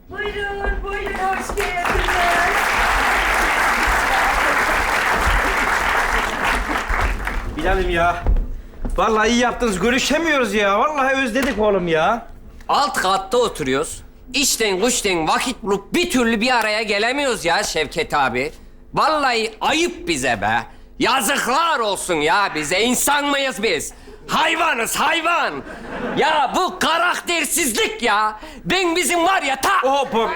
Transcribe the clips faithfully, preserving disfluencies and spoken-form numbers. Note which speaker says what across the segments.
Speaker 1: Buyurun, buyurun. Hoş geldiniz.
Speaker 2: Bilal'im ya. Vallahi iyi yaptınız. Görüşemiyoruz ya. Vallahi özledik oğlum ya.
Speaker 3: Alt katta oturuyoruz. İşten güçten vakit bulup bir türlü bir araya gelemiyoruz ya Şevket abi. Vallahi ayıp bize be. Yazıklar olsun ya bize. İnsan mıyız biz? Hayvanız hayvan. Ya bu karaktersizlik ya. Ben bizim var ya ta...
Speaker 2: Hop hop.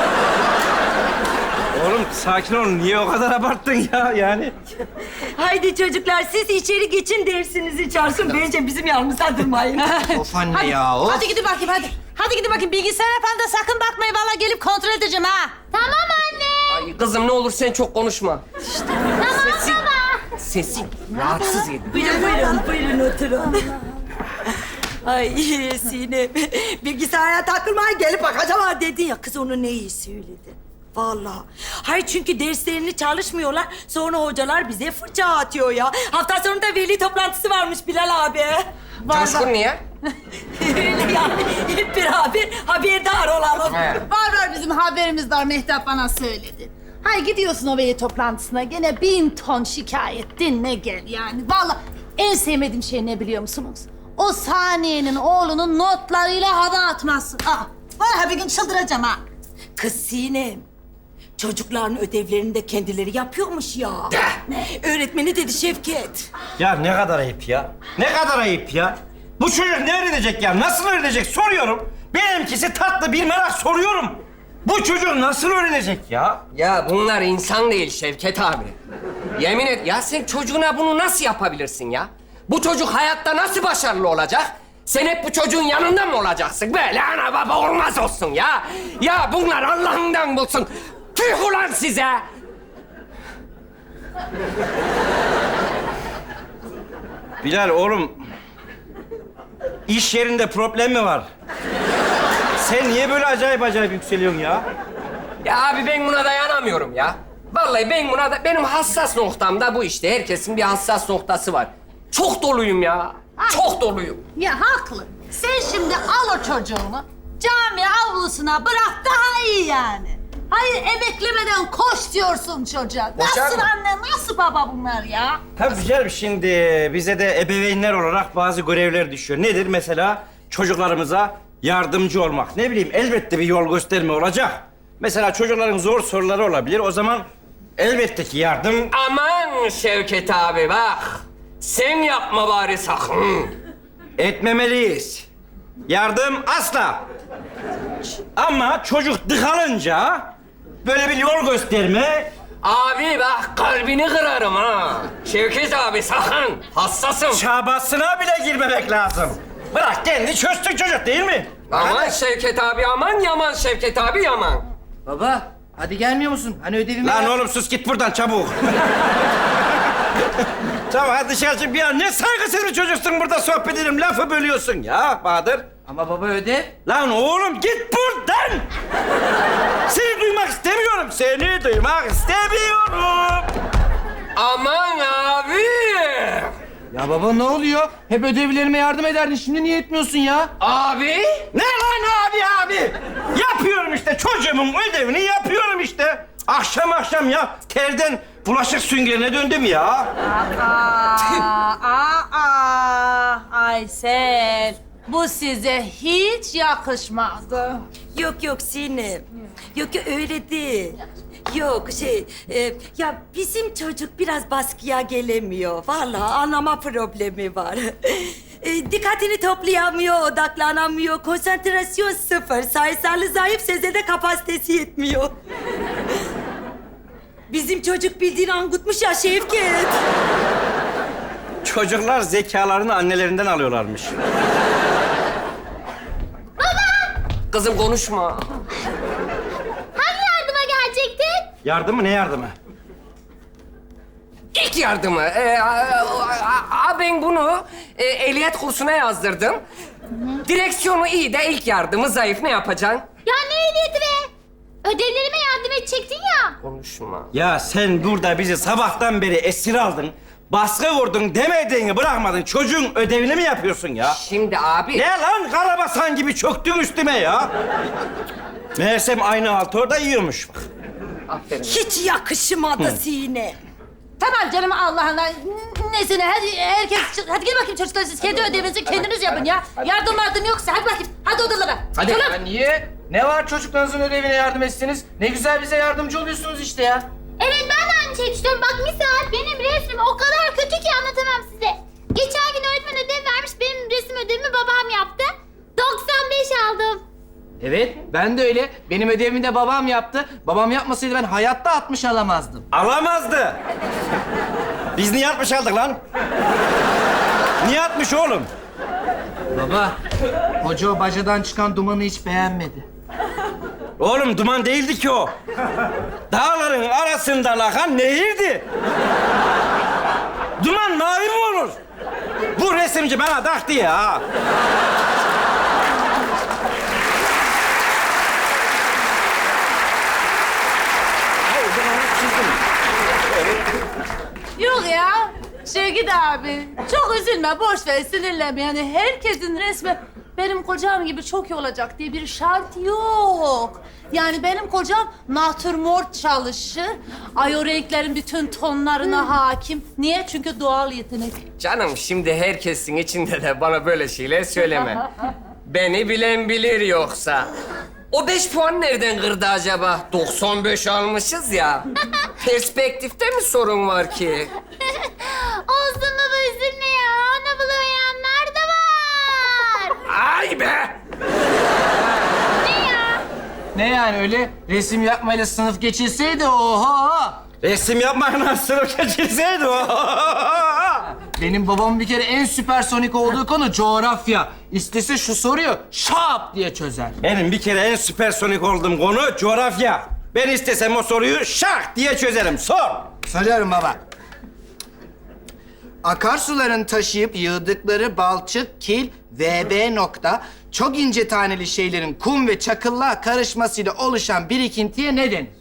Speaker 2: Oğlum sakin ol. Niye o kadar abarttın ya yani?
Speaker 1: Haydi çocuklar, siz içeri geçin, dersinizi çalsın. Bence bizim yanımıza durmayın.
Speaker 2: Of anne ya. Of.
Speaker 4: Hadi gidin bakayım hadi. Hadi gidin bakayım bilgisayar falan da sakın bakmayın. Vallahi gelip kontrol edeceğim ha.
Speaker 5: Tamam anne.
Speaker 3: Ay kızım ne olur sen çok konuşma.
Speaker 5: Tamam
Speaker 3: Sesin,
Speaker 5: baba.
Speaker 3: sesin rahatsız ediyor.
Speaker 1: Buyurun, buyurun, buyurun oturun. Ay Sinem, bilgisayara takılmaya gelip bakacağım ha dedin ya. Kız onu ne iyi söyledi. Vallahi. Hayır çünkü derslerini çalışmıyorlar. Sonra hocalar bize fırça atıyor ya. Hafta sonunda veli toplantısı varmış Bilal abi.
Speaker 3: Coşkun niye?
Speaker 1: Öyle yani. Hep beraber haberdar olalım.
Speaker 3: He.
Speaker 4: Var var bizim haberimiz var. Mehtap bana söyledi. Hay gidiyorsun o veli toplantısına. Gene bin ton şikayet dinle gel yani. Vallahi en sevmediğim şey ne biliyor musunuz? O Saniye'nin oğlunun notlarıyla hava atması. Aa, vallahi bir gün çıldıracağım ha.
Speaker 1: Kız Sinem, çocukların ödevlerini de kendileri yapıyormuş ya. Öğretmeni dedi Şevket.
Speaker 2: Ya ne kadar ayıp ya. Ne kadar ayıp ya. Bu çocuk ne öğrenecek ya? Nasıl öğrenecek? Soruyorum. Benimkisi tatlı bir merak soruyorum. Bu çocuk nasıl öğrenecek ya?
Speaker 3: Ya bunlar insan değil Şevket abi. Yemin et ya sen çocuğuna bunu nasıl yapabilirsin ya? Bu çocuk hayatta nasıl başarılı olacak? Sen hep bu çocuğun yanında mı olacaksın? Böyle ana baba olmaz olsun ya. Ya bunlar Allah'ından bulsun. Tüh ulan size!
Speaker 2: Bilal oğlum. İş yerinde problem mi var? Sen niye böyle acayip acayip yükseliyorsun ya?
Speaker 3: Ya abi ben buna dayanamıyorum ya. Vallahi ben buna da... Benim hassas noktam da bu işte. Herkesin bir hassas noktası var. Çok doluyum ya. Çok doluyum.
Speaker 4: Ya haklı. Sen şimdi al o çocuğunu cami avlusuna bırak daha iyi yani. Hayır emeklemeden koş diyorsun çocuğa.
Speaker 3: Boşar
Speaker 4: Nasıl
Speaker 3: mı?
Speaker 4: anne, nasıl baba bunlar ya?
Speaker 2: Tabii canım şimdi bize de ebeveynler olarak bazı görevler düşüyor. Nedir mesela? Çocuklarımıza yardımcı olmak. Ne bileyim elbette bir yol gösterme olacak. Mesela çocukların zor soruları olabilir. O zaman elbette ki yardım...
Speaker 3: Aman Şevket abi bak. Sen yapma bari sakın.
Speaker 2: etmemeliyiz. Yardım asla. Ama çocuk dıkalınca böyle bir yol gösterme...
Speaker 3: Abi bak kalbini kırarım ha. Şevket abi sakın. Hassasım.
Speaker 2: çabasına bile girmemek lazım. Bırak kendi çözsün çocuk değil mi?
Speaker 3: Aman
Speaker 2: Hadi.
Speaker 3: Şevket abi aman yaman Şevket abi yaman.
Speaker 6: Baba, hadi gelmiyor musun? Hani ödevimi...
Speaker 2: Lan oğlum sus git buradan çabuk. Tamam hadi dışarı çık bir an. Ne saygısız bir çocuksun burada sohbet edelim. Lafı bölüyorsun ya Bahadır.
Speaker 6: Ama baba ödev.
Speaker 2: Lan oğlum git buradan. Seni duymak istemiyorum. Seni duymak istemiyorum.
Speaker 3: Aman abi.
Speaker 6: Ya baba ne oluyor? Hep ödevlerime yardım ederdin. Şimdi niye etmiyorsun ya?
Speaker 3: Abi.
Speaker 2: Ne lan abi abi? Yapıyorum işte çocuğumun ödevini yapıyorum işte. Akşam akşam ya terden bulaşık süngerine döndüm ya.
Speaker 4: Aa, aa, aa, Aysel. Bu size hiç yakışmadı.
Speaker 1: Yok yok Sinem. Yok yok öyle değil. Yok şey, e, ya bizim çocuk biraz baskıya gelemiyor. Vallahi anlama problemi var. E, dikkatini toplayamıyor, odaklanamıyor, konsantrasyon sıfır. Sayısallı zayıf, sezede kapasitesi yetmiyor. Bizim çocuk bildiğini angutmuş ya Şevket.
Speaker 2: Çocuklar zekalarını annelerinden alıyorlarmış.
Speaker 3: Kızım konuşma.
Speaker 5: Hangi yardıma gelecektin?
Speaker 2: Yardımı ne yardımı?
Speaker 3: İlk yardımı. Ee, a, a- a- ben bunu e, ehliyet kursuna yazdırdım. Direksiyonu iyi de ilk yardımı zayıf. Ne yapacaksın?
Speaker 5: Ya ne ehliyeti be? Ödevlerime yardım edecektin ya.
Speaker 3: Konuşma.
Speaker 2: Ya sen burada bizi sabahtan beri esir aldın. Baskı vurdun demediğini bırakmadın. Çocuğun ödevini mi yapıyorsun ya?
Speaker 3: Şimdi abi...
Speaker 2: Ne lan karabasan gibi çöktün üstüme ya? Meğersem aynı altı orada yiyormuş. Bak.
Speaker 3: Aferin.
Speaker 1: Hiç yakışmadı Sinem.
Speaker 4: Tamam canım Allah'ına. Nesine hadi herkes hadi gel bakayım çocuklar siz kendi ödevinizi kendiniz yapın ya. Yardım yardım yoksa hadi bakayım hadi odalara.
Speaker 6: Hadi.
Speaker 4: Çoluk.
Speaker 6: Ya niye? Ne var çocuklarınızın ödevine yardım etsiniz? Ne güzel bize yardımcı oluyorsunuz işte ya.
Speaker 5: Evet ben de aynı şeyi düşünüyorum. Bak misal benim resmim o kadar kötü ki anlatamam size. Geçen gün öğretmen ödev vermiş. Benim resim ödevimi babam yaptı. doksan beş aldım.
Speaker 6: Evet, ben de öyle. Benim ödevimi de babam yaptı. Babam yapmasaydı ben hayatta altmış alamazdım.
Speaker 2: Alamazdı. Biz niye altmış aldık lan? Niye altmış oğlum?
Speaker 6: Baba, hoca o bacadan çıkan dumanı hiç beğenmedi.
Speaker 2: Oğlum duman değildi ki o. Dağların arasından akan nehirdi. Duman mavi mi olur? Bu resimci bana taktı ya.
Speaker 4: Yok ya. Şevket abi çok üzülme boş ver sinirlenme yani herkesin resmi benim kocam gibi çok iyi olacak diye bir şart yok. Yani benim kocam natürmort çalışır. Ay o renklerin bütün tonlarına hakim. Niye? Çünkü doğal yetenek.
Speaker 3: Canım şimdi herkesin içinde de bana böyle şeyler söyleme. Beni bilen bilir yoksa. O beş puan nereden kırdı acaba? doksan beş almışız ya. Perspektifte mi sorun var ki?
Speaker 5: Olsun baba üzülme ya. Onu bulamayanlar da var.
Speaker 3: Ay be!
Speaker 5: Ne ya?
Speaker 6: Ne yani öyle resim yapmayla sınıf geçilseydi oha!
Speaker 2: Resim yapmakla sınıf geçirseydi o.
Speaker 6: Benim babamın bir kere en süpersonik olduğu konu coğrafya. İstese şu soruyu şap diye çözer.
Speaker 2: Benim bir kere en süpersonik olduğum konu coğrafya. Ben istesem o soruyu şak diye çözerim. Sor.
Speaker 6: Soruyorum baba. Akarsuların taşıyıp yığdıkları balçık, kil, V B nokta çok ince taneli şeylerin kum ve çakılla karışmasıyla oluşan birikintiye ne denir?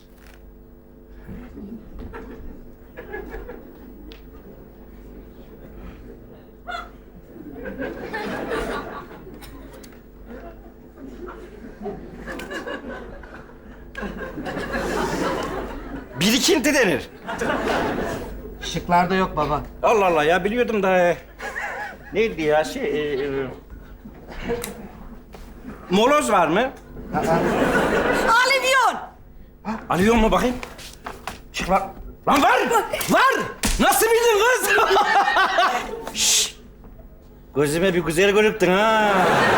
Speaker 2: Birikinti denir.
Speaker 6: Şıklarda yok baba.
Speaker 2: Allah Allah ya biliyordum da. e, Neydi ya şey... e, e, moloz var mı?
Speaker 1: Alivyon.
Speaker 2: Alıyor mu bakayım? Şık var. Lan var! Var! Nasıl bildin kız? Şşş! Gözüme bir güzel görüktün ha.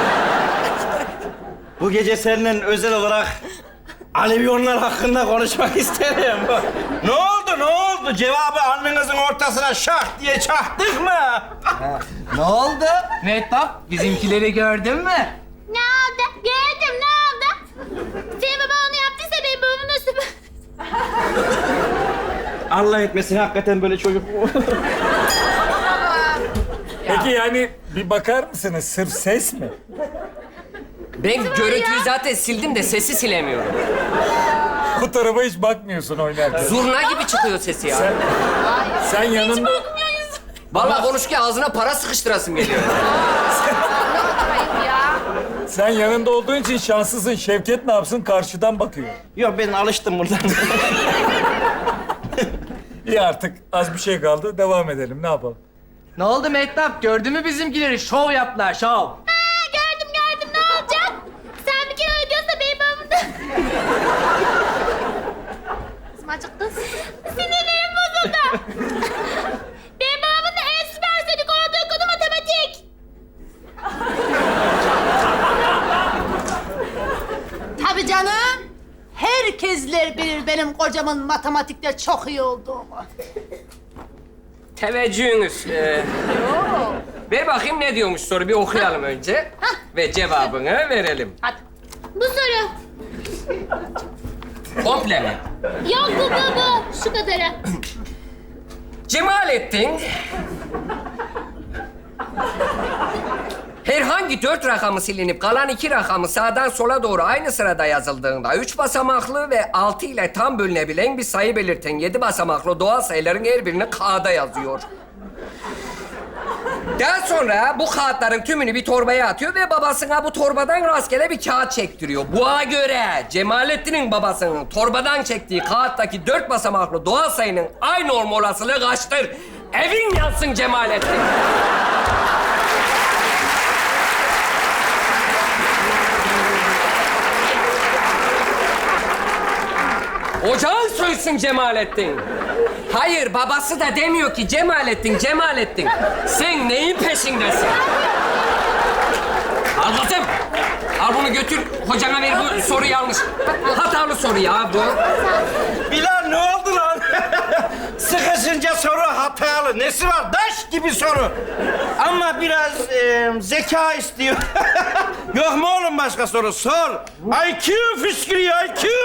Speaker 2: Bu gece seninle özel olarak Alevyonlar hakkında konuşmak isterim. Ne oldu, ne oldu? Cevabı alnınızın ortasına şah diye çaktık mı?
Speaker 6: Ne oldu? Mehtap, bizimkileri gördün mü?
Speaker 5: Ne oldu? Gördüm ne oldu? Senin baban onu yaptıysa benim babamın da süper...
Speaker 2: Allah etmesin hakikaten böyle çocuk.
Speaker 7: Peki yani bir bakar mısınız? Sırf ses mi?
Speaker 3: Ben görüntüyü zaten sildim de sesi silemiyorum.
Speaker 7: Bu tarafa hiç bakmıyorsun oynarken.
Speaker 3: Zurna gibi çıkıyor sesi ya.
Speaker 7: Sen, sen yanında...
Speaker 3: Vallahi konuşurken ağzına para sıkıştırasım geliyor.
Speaker 7: Sen yanında olduğun için şanslısın. Şevket ne yapsın? Karşıdan bakıyor.
Speaker 2: Yok ben alıştım buradan.
Speaker 7: İyi artık az bir şey kaldı. Devam edelim. Ne yapalım?
Speaker 6: Ne oldu Mehtap? Gördün mü bizimkileri? Şov yaptılar, şov.
Speaker 5: Ha, gördüm gördüm ne olacak? Sen bir kere öyle diyorsa benim babamın da... Kızım acıktın. Sinirlerim bozuldu. Benim babamın da en süpersonik olduğu konu matematik.
Speaker 4: Tabii canım. Herkesler bilir benim kocamın matematikte çok iyi olduğumu.
Speaker 3: Teveccühünüz. Ee, ver bakayım ne diyormuş soru. Bir okuyalım önce. Ve cevabını verelim.
Speaker 4: Hadi.
Speaker 5: Bu soru.
Speaker 3: Komple mi?
Speaker 5: Yok bu bu bu. Şu kadarı.
Speaker 3: Cemalettin... Herhangi dört rakamı silinip kalan iki rakamı sağdan sola doğru aynı sırada yazıldığında üç basamaklı ve altı ile tam bölünebilen bir sayı belirten yedi basamaklı doğal sayıların her birini K'da yazıyor. Daha sonra bu kağıtların tümünü bir torbaya atıyor ve babasına bu torbadan rastgele bir kağıt çektiriyor. Buna göre Cemalettin'in babasının torbadan çektiği kağıttaki dört basamaklı doğal sayının aynı olma olasılığı kaçtır? Evin yansın Cemalettin. Ocağın söysün Cemalettin. Hayır, babası da demiyor ki Cemalettin, Cemalettin. Sen neyin peşindesin? Al kızım. Al bunu götür, hocana ver, bu soru yanlış. Hatalı soru ya bu.
Speaker 2: Bilal ne oldu lan? Sıkışınca soru hatalı. Nesi var? Daş gibi soru. Ama biraz e, zeka istiyor. Yok mu oğlum başka soru? Sor. I Q fışkırıyor, I Q.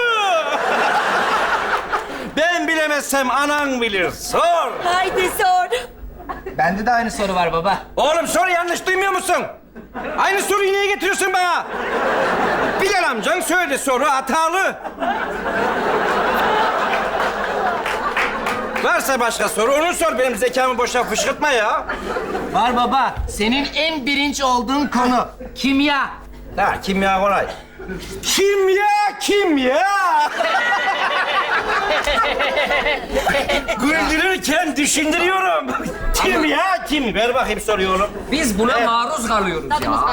Speaker 2: Ben bilemezsem anan bilir. Sor.
Speaker 1: Haydi sor.
Speaker 6: Bende de aynı soru var baba.
Speaker 2: Oğlum soru yanlış duymuyor musun? Aynı soruyu niye getiriyorsun bana? Bilal amcan söyledi, soru hatalı. Varsa başka soru onu sor. Benim zekamı boşa fışkırtma ya.
Speaker 6: Var baba. Senin en birinci olduğun konu kimya.
Speaker 2: Ha, kimya kolay. Kimya, kimya. Güldürürken düşündürüyorum. Kimya, kim? Ver bakayım soruyu oğlum.
Speaker 3: Biz buna maruz kalıyoruz ya.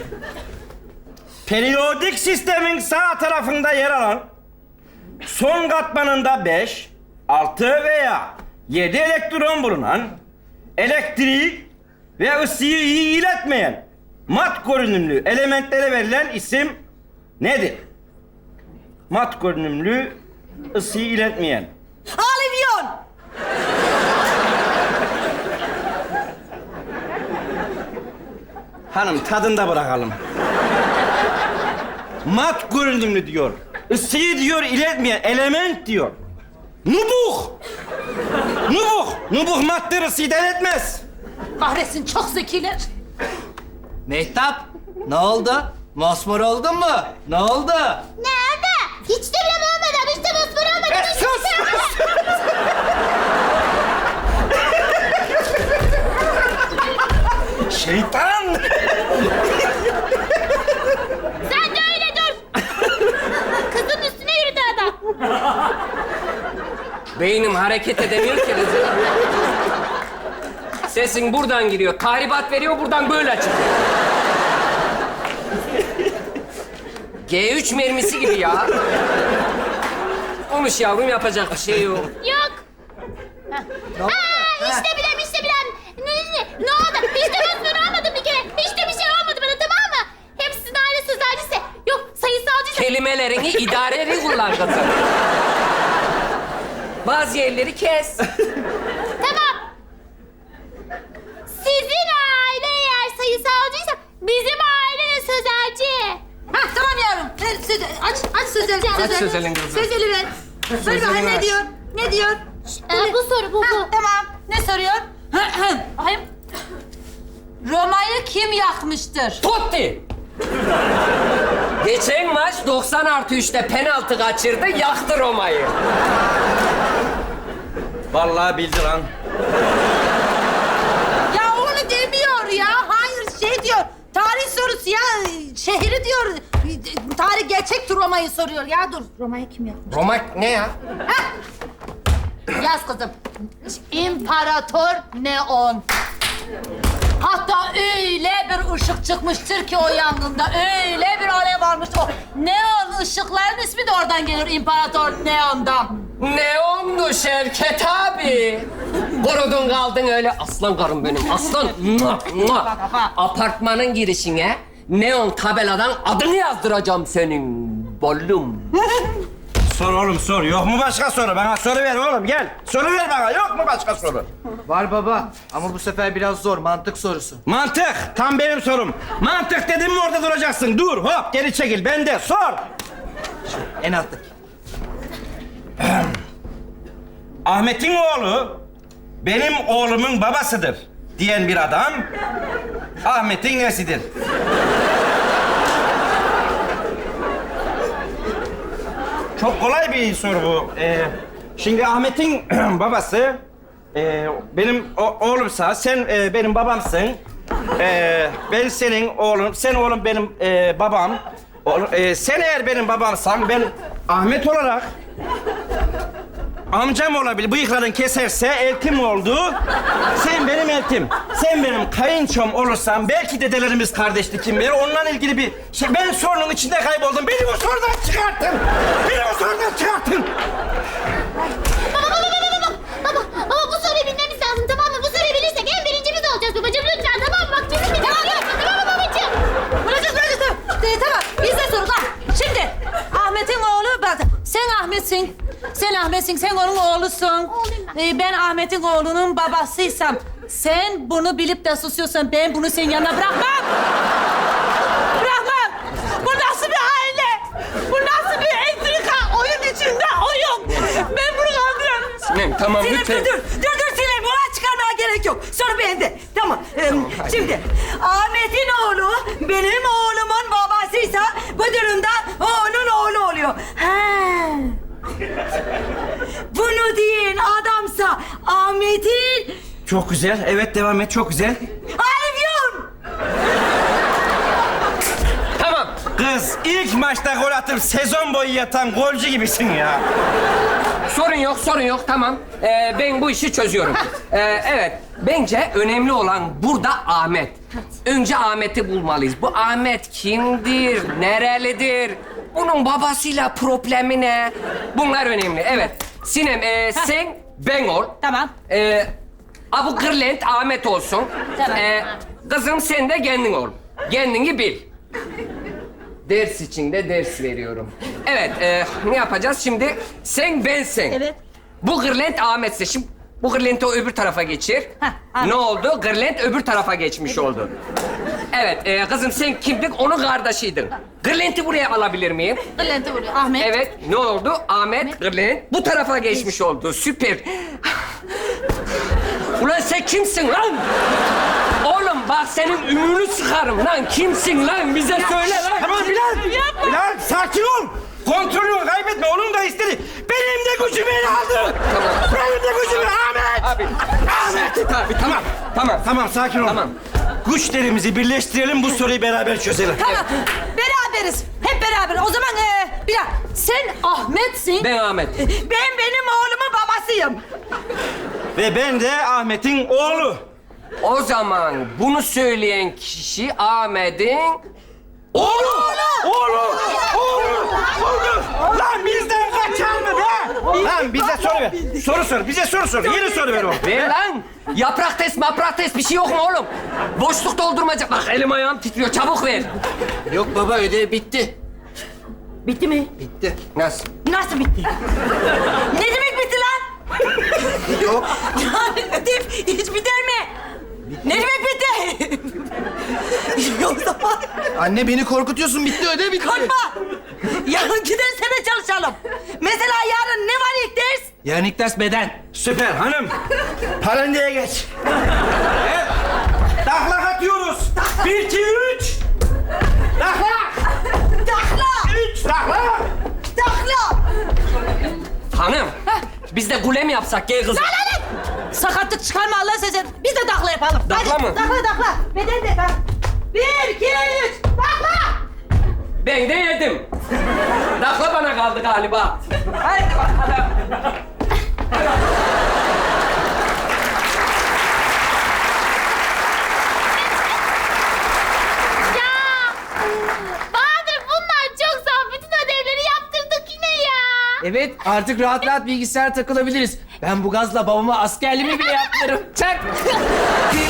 Speaker 2: Periyodik sistemin sağ tarafında yer alan son katmanında beş, altı veya yedi elektron bulunan elektriği ve ısıyı iyi iletmeyen mat görünümlü elementlere verilen isim nedir? Mat görünümlü ısıyı iletmeyen.
Speaker 1: Alivyon.
Speaker 2: Hanım tadında bırakalım. Mat görünümlü diyor. Isıyı diyor iletmeyen element diyor. Nubuh. Nubuh. Nubuh madde ısıyı da iletmez.
Speaker 4: Kahretsin, çok zekiler.
Speaker 6: Mehtap, ne oldu? Mosmor oldun mu? Ne oldu?
Speaker 5: Nerede? Hiç de bile olmadan, hiç de mosmor olmadan.
Speaker 2: E, sus! Şeytan!
Speaker 5: Sen de öyle dur. Kızın üstüne yürüdü adam.
Speaker 3: Beynim hareket edemiyor ki kızım. Sesin buradan giriyor, tahribat veriyor, buradan böyle çıkıyor. G üç mermisi gibi ya. Konuş yavrum, yapacak bir şey yok.
Speaker 5: Yok. Aa, işte bilem, işte bilem. Ne, ne, ne oldu? Hiç de mosmor olmadı bir kere. Hiç de bir şey olmadı bana, tamam mı? Hep sizin aile sözelcisi. Yok, sayısalcıysa.
Speaker 3: Kelimelerini idareli kullan kızım. Bazı yerleri kes.
Speaker 5: Tamam. Sizin aile eğer sayısalcıysa bizim aile de sözelci.
Speaker 4: Ha tamam yavrum. Ver, söz, aç, aç sözeli.
Speaker 3: Aç sözelin kızım.
Speaker 4: Sözeli ver. Ver bakayım ne diyor? Ne diyor?
Speaker 5: Ee, bu soru bu,
Speaker 4: Ha,
Speaker 5: bu.
Speaker 4: tamam. Ne soruyor? Bakayım. Roma'yı kim yakmıştır?
Speaker 3: Totti! Geçen maç doksan artı üçte penaltı kaçırdı, yaktı Roma'yı.
Speaker 2: Vallahi bildi lan.
Speaker 4: Ya onu demiyor ya. Hayır şey diyor. Tarih sorusu ya. Şehri diyor. Tarih gerçek Roma'yı soruyor. Ya dur. Roma'yı kim yakmış?
Speaker 3: Roma ne ya?
Speaker 4: Yaz kızım. İmparator Neon. Hatta öyle bir ışık çıkmıştır ki o yangında. Öyle bir alev varmış. O neon ışıkların ismi de oradan gelir. İmparator Neon'dan.
Speaker 3: Neondu Şevket abi. Korudun kaldın öyle. Aslan karım benim, aslan. Mua, mua. Apartmanın girişine neon tabeladan adını yazdıracağım senin. Bollum.
Speaker 2: Sor oğlum sor. Yok mu başka soru? Bana soru ver oğlum gel. Soru ver bana. Yok mu başka soru?
Speaker 6: Var baba ama bu sefer biraz zor. Mantık sorusu.
Speaker 2: Mantık. Tam benim sorum. Mantık dedim mi orada duracaksın. Dur hop geri çekil. Ben de sor.
Speaker 6: En alttaki.
Speaker 2: Ahmet'in oğlu benim oğlumun babasıdır diyen bir adam Ahmet'in nesidir? Çok kolay bir soru bu. Ee, şimdi Ahmet'in babası Ee, benim o- oğlumsa, sen e, benim babamsın. Ee, ben senin oğlum, sen oğlum benim e, babam. Oğlum, e, sen eğer benim babamsan, ben Ahmet olarak amcam olabilir. Bıyıkların keserse eltim oldu. Sen benim eltim. Sen benim kayınçom olursan belki dedelerimiz kardeşti kim bilir. Onunla ilgili bir şey. Ben sorunun içinde kayboldum. Beni bu sorudan çıkartın. Beni bu sorudan çıkartın.
Speaker 5: Baba, baba bu soruyu bilmemiz lazım tamam mı? Bu soruyu bilirsek en birinci biz olacağız babacığım lütfen tamam mı? Bak bizim bir tamam yapma tamam mı babacığım?
Speaker 4: Bırakın bırakın. Ee, tamam bizde sorular. Şimdi Ahmet'in oğlu bak. Sen Ahmet'sin. Sen Ahmet'sin. Sen onun oğlusun.
Speaker 5: Oğluyum ben.
Speaker 4: Ee, ben Ahmet'in oğlunun babasıysam sen bunu bilip de susuyorsan ben bunu senin yanına bırakmam. Bırakmam. Bu nasıl bir aile? Bu nasıl bir entrika? Oyun içinde oyun. Ben bunu kaldıramam.
Speaker 3: Sinem tamam
Speaker 1: Sinem
Speaker 3: lütfen.
Speaker 1: dur dur. Dur dur Sinem. Olay çıkarmaya gerek yok. Soru bende. Tamam. Ee, şimdi Ahmet'in oğlu benim oğlumun babasıysa bu durumda o onun oğlu oluyor. He. Bunu diyen adamsa Ahmet'in
Speaker 2: Çok güzel. Evet, devam et. Çok güzel.
Speaker 1: Alevyon.
Speaker 3: Tamam.
Speaker 2: Kız, ilk maçta gol atıp sezon boyu yatan golcü gibisin ya.
Speaker 3: Sorun yok, sorun yok. Tamam. Ee, ben bu işi çözüyorum. Ee, evet. Bence önemli olan burada Ahmet. Önce Ahmet'i bulmalıyız. Bu Ahmet kimdir? Nerelidir? Bunun babasıyla problemi ne? Bunlar önemli. Evet. Sinem, e, sen ben ol.
Speaker 4: Tamam.
Speaker 3: Ee, Abu Kırlent Ahmet olsun.
Speaker 4: Tamam.
Speaker 3: Ee, kızım sen de kendin ol. Kendini bil. Ders için de ders veriyorum. Evet, e, ne yapacağız şimdi? Sen bensin.
Speaker 4: Evet.
Speaker 3: Bu Kırlent Ahmet'se. Şimdi bu Kırlent'i o öbür tarafa geçir.
Speaker 4: Heh, Ahmet.
Speaker 3: Ne oldu? Kırlent öbür tarafa geçmiş oldu. Evet, e, kızım sen kimdin? Onun kardeşiydin. Kırlent'i buraya alabilir miyim?
Speaker 4: Bülent'i vuruyor. Ahmet.
Speaker 3: Evet, ne oldu? Ahmet, Kırlent bu tarafa geçmiş oldu. Süper. Ulan sen kimsin lan? Oğlum bak senin ümünü sıkarım lan. Kimsin lan? Bize söyle lan.
Speaker 2: Tamam Bilal. Bilal, sakin ol. Kontrolünü kaybetme. Onun da istedi. Benim de gücümü ele aldı.
Speaker 3: Tamam.
Speaker 2: Benim de gücümü Ahmet.
Speaker 3: Abi.
Speaker 2: Ahmet.
Speaker 3: Abi tamam. Tamam.
Speaker 2: Tamam, sakin ol.
Speaker 3: Tamam.
Speaker 2: Güçlerimizi birleştirelim, bu soruyu beraber çözelim.
Speaker 4: Tamam. Beraberiz. Hep beraber. O zaman ee, bir dakika. Sen Ahmet'sin.
Speaker 3: Ben Ahmet.
Speaker 1: Ben benim oğlumun babasıyım.
Speaker 2: Ve ben de Ahmet'in oğlu.
Speaker 3: O zaman bunu söyleyen kişi Ahmet'in
Speaker 2: Oğlu! Oğlu! Oğlu! Oğlu! Lan bizden kaçar mı be? Lan bize soru ver. Soru sor. Bize soru sor. Yeni soru ver oğlum.
Speaker 3: Ver lan! Yaprak test, maprak test bir şey yok mu oğlum? Boşluk doldurmaca. Bak elim ayağım titriyor. Çabuk ver.
Speaker 6: Yok baba ödev bitti.
Speaker 1: Bitti mi?
Speaker 6: Bitti.
Speaker 3: Nasıl?
Speaker 1: Nasıl bitti? Ne demek bitti lan?
Speaker 6: Yok.
Speaker 1: Yani ödev hiç biter mi? Ne demek bitti? O zaman
Speaker 6: Anne beni korkutuyorsun. Bitti ödev bitti.
Speaker 1: korkma. Yarınki derse de çalışalım. Mesela yarın ne var ilk ders?
Speaker 6: Yarın ilk ders beden.
Speaker 2: Süper hanım. Parandeye geç. Evet. Taklak atıyoruz. Bir, iki, üç. Taklak.
Speaker 1: Takla!
Speaker 2: Üç. Taklak.
Speaker 1: Takla!
Speaker 3: Hanım, biz de kule mi yapsak? Gel kızım.
Speaker 4: Sakatlık çıkarma Allah size. Biz de takla yapalım.
Speaker 3: Takla
Speaker 4: Hadi,
Speaker 3: mı?
Speaker 4: Takla takla. Beden de bak. Bir, iki, üç. Takla.
Speaker 3: Ben de yedim. Dakla bana kaldı galiba. Haydi bakalım.
Speaker 5: Ya Bahadır bunlar çok zor. Bütün ödevleri yaptırdık yine ya.
Speaker 6: Evet artık rahat rahat bilgisayar takılabiliriz. Ben bu gazla babama askerliğimi bile yaptırırım. Çak.